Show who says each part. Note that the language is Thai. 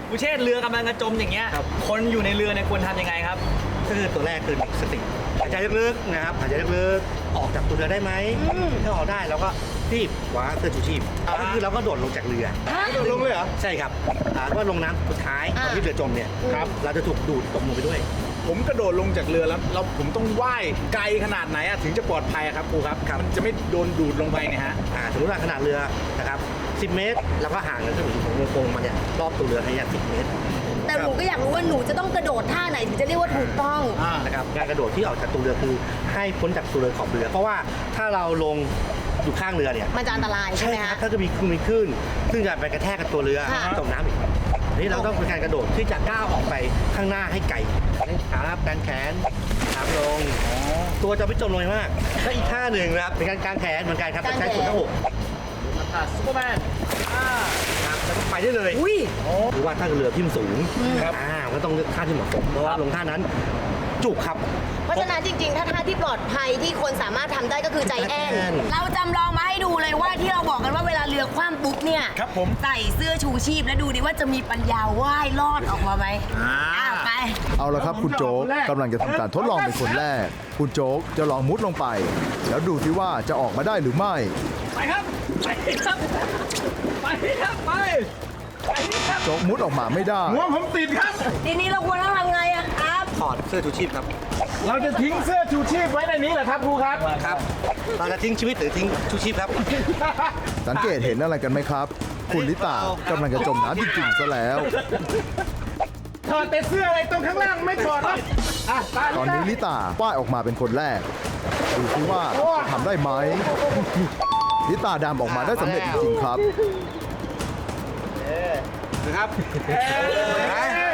Speaker 1: กูเชษเรือกำลังจะจมอย่างเงี้ยคนอยู่ในเรือเนี่ยควรทำยังไงครับ
Speaker 2: ก็คือตัวแรกคือสติหายใจลึกๆนะครับหายใจลึกๆออกจากตัวเรือได้ไหมถ้าออกได้เราก็รีบคว้าเสื้อชูชีพก็คือเราก็โดดลงจากเรือ
Speaker 3: โดดลงเลยเหรอ
Speaker 2: ใช่ครับก็ลงน้ำสุดท้ายตอนที่เรือจมเนี่ยเราจะถูกดูดตกลงไปด้วย
Speaker 3: ผมกระโดดลงจากเรือแล้วผมต้องว่ายไกลขนาดไหนถึงจะปลอดภัยครับครูครับมันจะไม่โดนดูดลงไปเนี่ยฮะ
Speaker 2: สมมติว่าขนาดเรือนะครับ10 เมตรแล้วก็ห่างกันถึงของวงกลมมันเนี่ยรอบตัวเรือให้10 เมตร
Speaker 4: แต่หนูก็อยากรู้ว่าหนูจะต้องกระโดดท่าไหนถึงจะเรียกว่าถูกต้อง
Speaker 2: นะครับการกระโดดที่ออกจากตัวเรือคือให้พ้นจากตัวเรือขอบเรือเพราะว่าถ้าเราลงอยู่ข้างเรือเนี่ย
Speaker 4: มันจะอันตรายใช่ไหมคะ
Speaker 2: ถ้าจะมีคลื่นซึ่งจะไปกระแทกกับตัวเรือจมน้ำอีกนี่เราต้องเป็นการกระโดดที่จะก้าวออกไปข้างหน้าให้ไกลขาการแขนขาลงตัวจะไม่จมลงมากและอีกท่าหนึ่งนะครับเป็นการกางแขนเหมือนกันครับใช้ส่วนหน้าอก
Speaker 1: ซุปเปอร์แมน
Speaker 2: ครับแล้วก็ไปได้เลยหรือว่าถ้าเรือที่มันสูงก็ต้องเลือกท่าที่เหมาะสมเพราะว่าลงท่านั้นจุกครับ
Speaker 4: เพราะฉะนั้นจริงๆถ้าท่าที่ปลอดภัยที่คนสามารถทำได้ก็คือใจแอนเราจำลองมาให้ดูเลยว่าที่เราบอกกันว่าเวลาเรือคว่ำปุ๊บเนี่ยใส่เสื้อชูชีพแล้วดูดิว่าจะมีปัญญาว่ายรอดออกมาไหมไป
Speaker 5: เอาละครับคุณโจ๊กกำลังจะทำการทดลองเป็นคนแรกคุณโจ๊กจะลองมุดลงไปแล้วดูที่ว่าจะออกมาได้หรือไม่
Speaker 1: ไปครับไปครับไปครับไป
Speaker 5: โจ๊กมุดออกมาไม่ได้
Speaker 3: หัวผมติดครับ
Speaker 4: ทีนี้เราควรต้องทำไงอะครับ
Speaker 2: ถอดเสื้อชูชีพครับ
Speaker 3: เราจะทิ้งเสื้อชูชีพไว้ในนี้เหรอครับครูครับ
Speaker 2: ครับเราจะทิ้งชีวิตหรือทิ้งชูชีพครับ
Speaker 5: สังเกตเห็นอะไรกันไหมครับคุณลิตากำลังจะจมน้ำจริงๆซะแล้ว
Speaker 3: ถอดแต่เสื้ออะไรตรงข้างล่างไม่ถอดครับ
Speaker 5: ตอนนี้ลิตาว่ายออกมาเป็นคนแรกดูซิว่าจะทำได้ไหมลิตาดำออกมาได้สำเร็จจริงๆครับ
Speaker 3: นะครับ